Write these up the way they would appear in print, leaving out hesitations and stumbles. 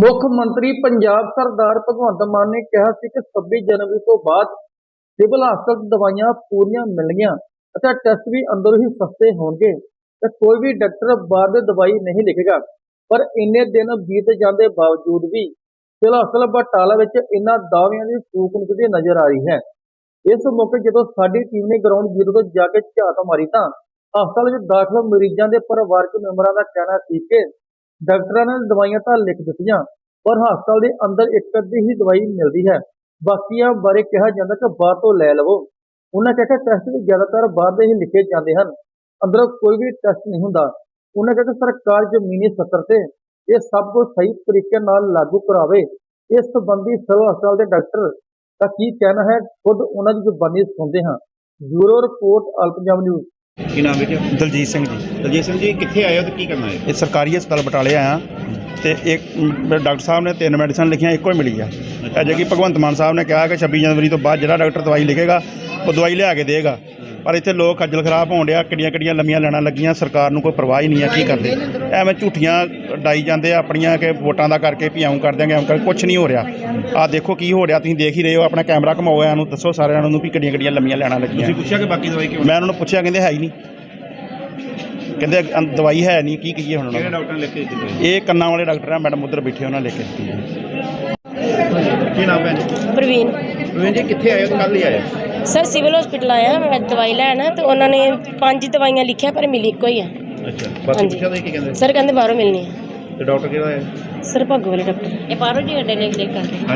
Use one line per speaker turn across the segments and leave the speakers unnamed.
ਮੁੱਖ ਮੰਤਰੀ ਪੰਜਾਬ ਸਰਦਾਰ ਭਗਵੰਤ ਮਾਨ ਨੇ ਕਿਹਾ ਸੀ ਕਿ 26 ਜਨਵਰੀ ਤੋਂ ਬਾਅਦ ਸਿਵਲ ਹਸਪਤਾਲ 'ਚ ਦਵਾਈਆਂ ਪੂਰੀਆਂ ਮਿਲਣਗੀਆਂ ਅਤੇ ਟੈਸਟ ਵੀ ਅੰਦਰੋਂ ਹੀ ਸਸਤੇ ਹੋਣਗੇ ਤੇ ਕੋਈ ਵੀ ਡਾਕਟਰ ਬਾਹਰ ਦੀ ਦਵਾਈ ਨਹੀਂ ਲਿਖੇਗਾ। ਪਰ ਇੰਨੇ ਦਿਨ ਬੀਤ ਜਾਣ ਦੇ ਬਾਵਜੂਦ ਵੀ ਸਿਵਲ ਹਸਪਤਾਲ ਬਟਾਲਾ ਵਿੱਚ ਇਹਨਾਂ ਦਾਅਵਿਆਂ ਦੀ ਫੂਕ ਨਿਕਲਦੀ ਨਜ਼ਰ ਆ ਰਹੀ ਹੈ। ਇਸ ਮੌਕੇ ਜਦੋਂ ਸਾਡੀ ਟੀਮ ਨੇ ਗਰਾਊਂਡ ਜ਼ੀਰੋ ਤੋਂ ਜਾ ਕੇ ਝਾਤ ਮਾਰੀ ਤਾਂ ਹਸਪਤਾਲ ਵਿੱਚ ਦਾਖਲ ਮਰੀਜ਼ਾਂ ਦੇ ਪਰਿਵਾਰਕ ਮੈਂਬਰਾਂ ਦਾ ਕਹਿਣਾ ਸੀ ਕਿ ਡਾਕਟਰਾਂ ਨੇ ਦਵਾਈਆਂ ਤਾਂ ਲਿਖ ਦਿੱਤੀਆਂ ਪਰ ਹਸਪਤਾਲ ਦੇ ਅੰਦਰ ਇੱਕ ਅੱਧੀ ਹੀ ਦਵਾਈ ਮਿਲਦੀ ਹੈ, ਬਾਕੀਆਂ ਬਾਰੇ ਕਿਹਾ ਜਾਂਦਾ ਕਿ ਬਾਹਰ ਤੋਂ ਲੈ ਲਵੋ। ਉਹਨਾਂ ਕਿਹਾ ਕਿ ਟੈਸਟ ਵੀ ਜ਼ਿਆਦਾਤਰ ਬਾਹਰ ਦੇ ਹੀ ਲਿਖੇ ਜਾਂਦੇ ਹਨ, ਅੰਦਰੋਂ ਕੋਈ ਵੀ ਟੈਸਟ ਨਹੀਂ ਹੁੰਦਾ। ਉਹਨਾਂ ਕਿਹਾ ਕਿ ਸਰਕਾਰ ਜ਼ਮੀਨੀ ਸਤਰ ਤੇ ਇਹ ਸਭ ਕੁਝ ਸਹੀ ਤਰੀਕੇ ਨਾਲ ਲਾਗੂ ਕਰਾਵੇ। ਇਸ ਸੰਬੰਧੀ ਸਿਵਲ ਹਸਪਤਾਲ ਦੇ ਡਾਕਟਰ ਦਾ ਕੀ ਕਹਿਣਾ ਹੈ, ਖੁਦ ਉਹਨਾਂ ਦੀ ਜ਼ੁਬਾਨੀ ਸੁਣਦੇ ਹਾਂ। Bureau report all Punjab news.
ਕੀ ਨਾਮ ਹੈ ਜੀ?
ਦਲਜੀਤ ਸਿੰਘ ਜੀ।
ਦਲਜੀਤ ਸਿੰਘ ਜੀ, ਕਿੱਥੇ ਆਏ ਹੋ ਤੇ ਕੀ ਕਰਨਾ ਹੈ?
ਇਹ ਸਰਕਾਰੀ ਹਸਪਤਾਲ ਬਟਾਲੇ ਆਇਆ ਤੇ ਇੱਕ ਡਾਕਟਰ ਸਾਹਿਬ ਨੇ 3 ਮੈਡੀਸਨ ਲਿਖੀਆਂ, ਇੱਕੋ ਹੀ ਮਿਲੀ ਆ। ਅਜੇ ਕਿ ਭਗਵੰਤ ਮਾਨ ਸਾਹਿਬ ਨੇ ਕਿਹਾ ਕਿ 26 ਜਨਵਰੀ ਤੋਂ ਬਾਅਦ ਜਿਹੜਾ ਡਾਕਟਰ ਦਵਾਈ ਲਿਖੇਗਾ ਉਹ ਦਵਾਈ ਲਿਆ ਕੇ ਦੇਗਾ, ਪਰ ਇੱਥੇ ਲੋਕ ਖੱਜਲ ਖਰਾਬ ਹੋਣ ਡਿਆ। ਕਿੱਡੀਆਂ ਲੰਮੀਆਂ ਲੈਣਾ ਲੱਗੀਆਂ, ਸਰਕਾਰ ਨੂੰ ਕੋਈ ਪਰਵਾਹ ਹੀ ਨਹੀਂ ਆ। ਕੀ ਕਰਦੇ ਐਵੇਂ ਝੂਠੀਆਂ ਡਾਈ ਜਾਂਦੇ ਆ ਆਪਣੀਆਂ ਕਿ ਵੋਟਾਂ ਦਾ ਕਰਕੇ ਵੀ ਆਉਂ ਕਰ ਦਿਆਂਗੇ, ਆਉਂ ਕਰ। ਕੁਛ ਨਹੀਂ ਹੋ ਰਿਹਾ। ਆਹ ਦੇਖੋ ਕੀ ਹੋ ਰਿਹਾ, ਤੁਸੀਂ ਦੇਖ ਹੀ ਰਹੇ ਹੋ। ਆਪਣਾ ਕੈਮਰਾ ਘਮਾਓ, ਇਹਨੂੰ ਦੱਸੋ ਸਾਰਿਆਂ ਨੂੰ ਵੀ ਕਿੱਡੀਆਂ ਲੰਮੀਆਂ ਲੈਣਾ ਲੱਗੀਆਂ।
ਤੁਸੀਂ ਪੁੱਛਿਆ ਕਿ ਬਾਕੀ ਦਵਾਈ ਕਿਉਂ?
ਮੈਂ ਉਹਨਾਂ ਨੂੰ ਪੁੱਛਿਆ, ਕਹਿੰਦੇ ਹੈ ਹੀ ਨਹੀਂ, ਕਹਿੰਦੇ ਦਵਾਈ ਹੈ ਨਹੀਂ। ਕੀ ਕਹੀਏ ਹੁਣ?
ਕਿਹੜੇ ਡਾਕਟਰ ਨੇ ਲਿਖ ਕੇ ਦਿੱਤੀ?
ਇਹ ਕੰਨਾਂ ਵਾਲੇ ਡਾਕਟਰ ਆ, ਮੈਡਮ ਉੱਧਰ ਬੈਠੇ, ਉਹਨਾਂ ਲਿਖ ਕੇ ਦਿੱਤੀ ਹੈ।
ਕੀ ਨਾਮ ਹੈ?
ਪ੍ਰਵੀਨ।
ਪ੍ਰਵੀਨ ਜੀ, ਕਿੱਥੇ ਆਏ ਹੋ ਤੇ ਕੱਲ੍ਹ ਹੀ ਆਏ?
ਸਰ ਸਿਵਲ ਹਸਪੀਟਲ ਆਇਆ ਮੈਂ ਦਵਾਈ ਲੈਣ, ਤੇ ਉਹਨਾਂ ਨੇ 5 ਦਵਾਈਆਂ ਲਿਖਿਆ ਪਰ ਮਿਲੀ ਇੱਕੋ ਹੀ ਆ।
ਅੱਛਾ, ਬਾਕੀ ਪੁੱਛਿਆ ਤਾਂ ਕੀ ਕਹਿੰਦੇ?
ਸਰ ਕਹਿੰਦੇ ਬਾਹਰੋਂ ਮਿਲਣੀ ਹੈ।
ਤੇ ਡਾਕਟਰ ਕਿਹੜਾ ਹੈ?
ਸਰ ਭਾਗੋ ਵਾਲੇ ਡਾਕਟਰ ਇਹ ਬਾਹਰੋਂ ਜੀ ਅੱਡੇ ਲਿਖ ਕਰਦੇ।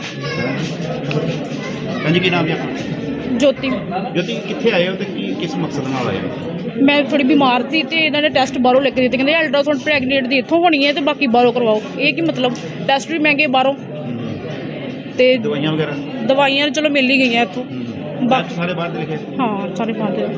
ਹਾਂਜੀ, ਕੀ ਨਾਮ ਹੈ ਆਪਣਾ?
ਜੋਤੀ।
ਜੋਤੀ, ਕਿੱਥੇ ਆਏ ਹੋ ਤੇ ਕਿਸ ਮਕਸਦ ਨਾਲ ਆਏ ਹੋ?
ਮੈਂ ਥੋੜੀ ਬਿਮਾਰ ਸੀ ਤੇ ਇਹਨਾਂ ਨੇ ਟੈਸਟ ਬਾਹਰੋਂ ਲਿਖ ਕੇ ਦਿੱਤੇ, ਕਹਿੰਦੇ ਅਲਟਰਾਸਾਊਂਡ ਪ੍ਰੈਗਨੈਂਟ ਦੀ ਇੱਥੋਂ ਹੋਣੀ ਹੈ ਤੇ ਬਾਕੀ ਬਾਹਰੋਂ ਕਰਵਾਓ। ਇਹ ਕੀ ਮਤਲਬ? ਟੈਸਟ ਵੀ ਮਹਿੰਗੇ ਬਾਹਰੋਂ ਤੇ
ਦਵਾਈਆਂ ਵਗੈਰਾ?
ਦਵਾਈਆਂ ਚਲੋ ਮਿਲ ਹੀ ਗਈਆਂ ਇੱਥੋਂ। ਬਾਕੀ
ਸਾਰੇ ਬਾਹਰ ਦੇ ਲਿਖੇ?
ਹਾਂ, ਸਾਰੇ ਬਾਹਰ।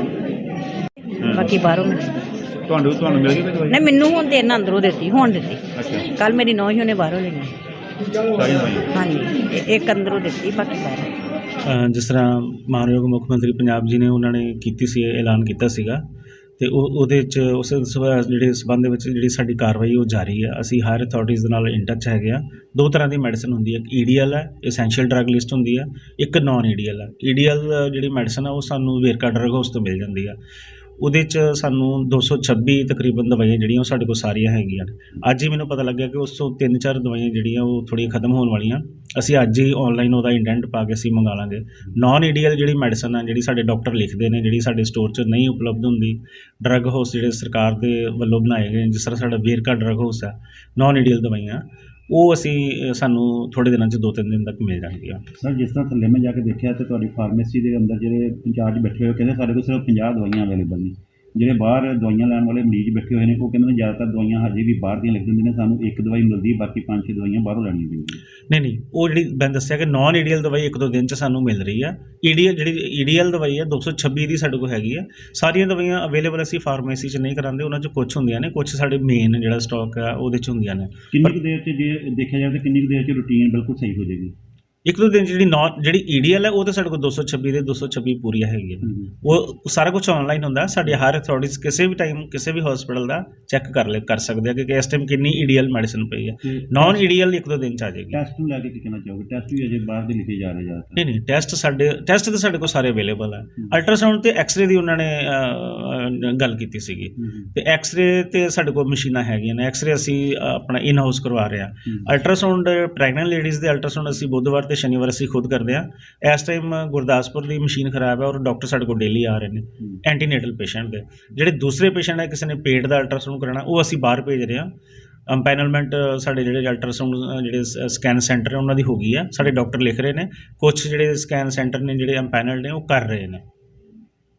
ਬਾਕੀ ਬਾਹਰੋਂ ਮਿਲ
ਤੁਹਾਨੂੰ ਮਿਲ ਗਈ ਕੋਈ ਦਵਾਈ?
ਨਹੀਂ, ਮੈਨੂੰ ਹੁਣ ਤੇ ਇਹਨਾਂ ਅੰਦਰੋਂ ਦਿੱਤੀ, ਹੁਣ ਦਿੱਤੀ।
ਅੱਛਾ,
ਕੱਲ ਮੇਰੀ ਨੌਂ ਹੀ ਉਹਨੇ ਬਾਹਰੋਂ ਲਈ।
ਸਾਰੀ ਦਵਾਈ?
ਹਾਂਜੀ, ਇੱਕ ਅੰਦਰੋਂ ਦਿੱਤੀ, ਬਾਕੀ ਬਾਹਰੋਂ।
ਜਿਸ ਤਰ੍ਹਾਂ ਮਾਨਯੋਗ ਮੁੱਖ ਮੰਤਰੀ ਪੰਜਾਬ ਜੀ ਨੇ ਉਹਨਾਂ ਨੇ ਕੀਤੀ ਸੀ, ਐਲਾਨ ਕੀਤਾ ਸੀਗਾ, ਤੇ ਉਹਦੇ 'ਚ ਉਸ ਜਿਹੜੇ ਸਬੰਧ ਦੇ ਵਿੱਚ ਜਿਹੜੀ ਸਾਡੀ ਕਾਰਵਾਈ ਉਹ ਜਾਰੀ ਹੈ। ਅਸੀਂ ਹਾਇਰ ਅਥਾਰਟੀਜ਼ ਦੇ ਨਾਲ ਇਨ ਟੱਚ ਹੈਗੇ ਆ। 2 ਤਰ੍ਹਾਂ ਦੀ ਮੈਡੀਸਨ ਹੁੰਦੀ ਹੈ, ਇੱਕ ਈਡੀਐਲ ਹੈ, ਐਸੈਂਸ਼ੀਅਲ ਡਰੱਗ ਲਿਸਟ ਹੁੰਦੀ ਹੈ, ਇੱਕ ਨਾਨ ਈਡੀਐਲ ਹੈ। ਈਡੀਐਲ ਜਿਹੜੀ ਮੈਡੀਸਨ ਆ ਉਹ ਸਾਨੂੰ ਵੇਰਕਾ ਡਰੱਗ ਹਾਊਸ ਤੋਂ ਮਿਲ ਜਾਂਦੀ ਆ। ਉਹਦੇ 'ਚ ਸਾਨੂੰ 226 ਤਕਰੀਬਨ ਦਵਾਈਆਂ ਜਿਹੜੀਆਂ ਉਹ ਸਾਡੇ ਕੋਲ ਸਾਰੀਆਂ ਹੈਗੀਆਂ। ਅੱਜ ਹੀ ਮੈਨੂੰ ਪਤਾ ਲੱਗਿਆ ਕਿ ਉਸ ਤੋਂ 3-4 ਦਵਾਈਆਂ ਜਿਹੜੀਆਂ ਉਹ ਥੋੜ੍ਹੀਆਂ ਖਤਮ ਹੋਣ ਵਾਲੀਆਂ। ਅਸੀਂ ਅੱਜ ਹੀ ਔਨਲਾਈਨ ਉਹਦਾ ਇੰਡੈਂਟ ਪਾ ਕੇ ਅਸੀਂ ਮੰਗਾ ਲਾਂਗੇ। ਨਾਨ ਈਡੀਐਲ ਜਿਹੜੀ ਮੈਡੀਸਨ ਆ, ਜਿਹੜੀ ਸਾਡੇ ਡਾਕਟਰ ਲਿਖਦੇ ਨੇ, ਜਿਹੜੀ ਸਾਡੇ ਸਟੋਰ 'ਚ ਨਹੀਂ ਉਪਲਬਧ ਹੁੰਦੀ, ਡਰੱਗ ਹਾਊਸ ਜਿਹੜੇ ਸਰਕਾਰ ਦੇ ਵੱਲੋਂ ਬਣਾਏ ਗਏ, ਜਿਸ ਤਰ੍ਹਾਂ ਸਾਡਾ ਵੇਰਕਾ ਡਰੱਗ ਹਾਊਸ ਹੈ, ਨਾਨ ਈਡੀਐਲ ਦਵਾਈਆਂ ਉਹ ਸਾਨੂੰ ਥੋੜ੍ਹੇ ਦਿਨਾਂ 'ਚ 2-3 ਦਿਨ ਤੱਕ ਮਿਲ ਜਾਣਗੀਆਂ।
ਸਰ, ਜਿਸ ਤਰ੍ਹਾਂ ਥੱਲੇ ਮੈਂ ਜਾ ਕੇ ਦੇਖਿਆ ਤੇ ਤੁਹਾਡੀ ਫਾਰਮੇਸੀ ਦੇ ਅੰਦਰ ਜਿਹੜੇ ਇੰਚਾਰਜ ਬੈਠੇ ਹੋਏ ਕਹਿੰਦੇ ਸਾਡੇ ਕੋਲ ਸਿਰਫ 50 ਦਵਾਈਆਂ ਅਵੇਲੇਬਲ ਨੇ। ਜਿਹੜੇ ਬਾਹਰ ਦਵਾਈਆਂ ਲੈਣ ਵਾਲੇ ਮਰੀਜ਼ ਬੈਠੇ ਹੋਏ ਨੇ ਉਹ ਕਹਿੰਦੇ ਨੇ ਜ਼ਿਆਦਾਤਰ ਦਵਾਈਆਂ ਹਜੇ ਵੀ ਬਾਹਰ ਦੀਆਂ ਲਿਖ ਦਿੰਦੇ ਨੇ, ਸਾਨੂੰ ਇੱਕ ਦਵਾਈ ਮਿਲਦੀ, ਬਾਕੀ 5-6 ਦਵਾਈਆਂ ਬਾਹਰੋਂ ਲੈਣੀਆਂ ਪੈਂਦੀਆਂ।
ਨਹੀਂ, ਉਹ ਜਿਹੜੀ ਮੈਂ ਦੱਸਿਆ ਕਿ ਨਾਨ ਈਡੀਐਲ ਦਵਾਈ 1-2 ਦਿਨ 'ਚ ਸਾਨੂੰ ਮਿਲ ਰਹੀ ਆ। ਜਿਹੜੀ ਈਡੀਐਲ ਦਵਾਈ ਹੈ 226 ਦੀ ਸਾਡੇ ਕੋਲ ਹੈਗੀ ਆ। ਸਾਰੀਆਂ ਦਵਾਈਆਂ ਅਵੇਲੇਬਲ ਅਸੀਂ ਫਾਰਮੇਸੀ 'ਚ ਨਹੀਂ ਕਰਾਉਂਦੇ, ਉਹਨਾਂ 'ਚ ਕੁਛ ਹੁੰਦੀਆਂ ਨੇ, ਕੁਛ ਸਾਡੇ ਮੇਨ ਜਿਹੜਾ ਸਟਾਕ ਆ ਉਹਦੇ 'ਚ ਹੁੰਦੀਆਂ ਨੇ।
ਕਿੰਨੀ ਕੁ ਦੇਰ 'ਚ ਜੇ ਦੇਖਿਆ ਜਾਵੇ ਤਾਂ ਕਿੰਨੀ ਕੁ ਦੇਰ 'ਚ ਰੂਟੀਨ ਬਿਲਕੁਲ ਸਹੀ ਹੋ ਜਾਏਗੀ?
1-2 ਦਿਨ ਜਿਹੜੀ ਈਡੀਐਲ ਹੈ ਉਹ ਤਾਂ ਸਾਡੇ ਕੋਲ 226 ਦੇ 226 ਪੂਰੀਆਂ ਹੈਗੀਆਂ। ਉਹ ਸਾਰਾ ਕੁਝ ਆਨਲਾਈਨ ਹੁੰਦਾ। ਸਾਡੇ ਹਾਇਰ ਅਥਾਰਟੀਜ਼ ਕਿਸੇ ਵੀ ਟਾਈਮ ਕਿਸੇ ਵੀ ਹਸਪੀਟਲ ਦਾ ਚੈੱਕ ਕਰ ਸਕਦੇ ਆ ਕਿ ਇਸ ਟਾਈਮ ਕਿੰਨੀ ਈਡੀਐਲ ਮੈਡੀਸਨ ਪਈ ਹੈ। ਨਾਨ ਈਡੀਐਲ 1-2 ਦਿਨ 'ਚ ਆ ਜਾਏਗੀ।
ਟੈਸਟ ਨੂੰ ਲੈ ਕੇ ਕੀ ਕਹਿਣਾ ਚਾਹੋਗੇ? ਟੈਸਟ ਵੀ ਅਜੇ ਬਾਹਰ ਦੇ ਲਿਖੇ ਜਾ ਰਹੇ ਜ਼ਿਆਦਾ?
ਨਹੀਂ, ਟੈਸਟ ਤਾਂ ਸਾਡੇ ਕੋਲ ਸਾਰੇ ਅਵੇਲੇਬਲ ਹੈ। ਅਲਟਰਾਸਾਊਂਡ ਤੇ ਐਕਸਰੇ ਦੀ ਉਹਨਾਂ ਨੇ ਗੱਲ ਕੀਤੀ ਸੀਗੀ, ਤੇ ਐਕਸਰੇ ਤੇ ਸਾਡੇ ਕੋਲ ਮਸ਼ੀਨਾਂ ਹੈਗੀਆਂ ਨੇ। ਐਕਸਰੇ ਅਸੀਂ ਆਪਣਾ ਇਨ ਹਾਊਸ ਕਰਵਾ ਰਹੇ ਹਾਂ। ਅਲਟਰਾਸਾਊਂਡ ਪ੍ਰੈਗਨੈਂਟ ਲੇਡੀਜ਼ ਦੇ ਅਲਟਰਾਸਾਊਂਡ ਅਸੀਂ ਬੁੱਧਵਾਰ ਤੇ ਸ਼ਨੀਵਾਰ ਅਸੀਂ ਖੁਦ ਕਰਦੇ ਹਾਂ। ਇਸ ਟਾਈਮ ਗੁਰਦਾਸਪੁਰ ਦੀ ਮਸ਼ੀਨ ਖਰਾਬ ਹੈ ਔਰ ਡਾਕਟਰ ਸਾਡੇ ਕੋਲ ਡੇਲੀ ਆ ਰਹੇ ਨੇ ਐਂਟੀਨੇਟਲ ਪੇਸ਼ੈਂਟ ਦੇ। ਜਿਹੜੇ ਦੂਸਰੇ ਪੇਸ਼ੈਂਟ ਹੈ, ਕਿਸੇ ਨੇ ਪੇਟ ਦਾ ਅਲਟਰਾਸਾਊਂਡ ਕਰਾਉਣਾ, ਉਹ ਅਸੀਂ ਬਾਹਰ ਭੇਜ ਰਹੇ ਹਾਂ। ਅੰਪੈਨਲਮੈਂਟ ਸਾਡੇ ਜਿਹੜੇ ਅਲਟਰਾਸਾਊਂਡ ਜਿਹੜੇ ਸਕੈਨ ਸੈਂਟਰ ਹੈ ਉਹਨਾਂ ਦੀ ਹੋ ਗਈ ਆ। ਸਾਡੇ ਡਾਕਟਰ ਲਿਖ ਰਹੇ ਨੇ, ਕੁਛ ਜਿਹੜੇ ਸਕੈਨ ਸੈਂਟਰ ਨੇ ਜਿਹੜੇ ਅੰਪੈਨਲਡ ਨੇ ਉਹ ਕਰ ਰਹੇ ਨੇ।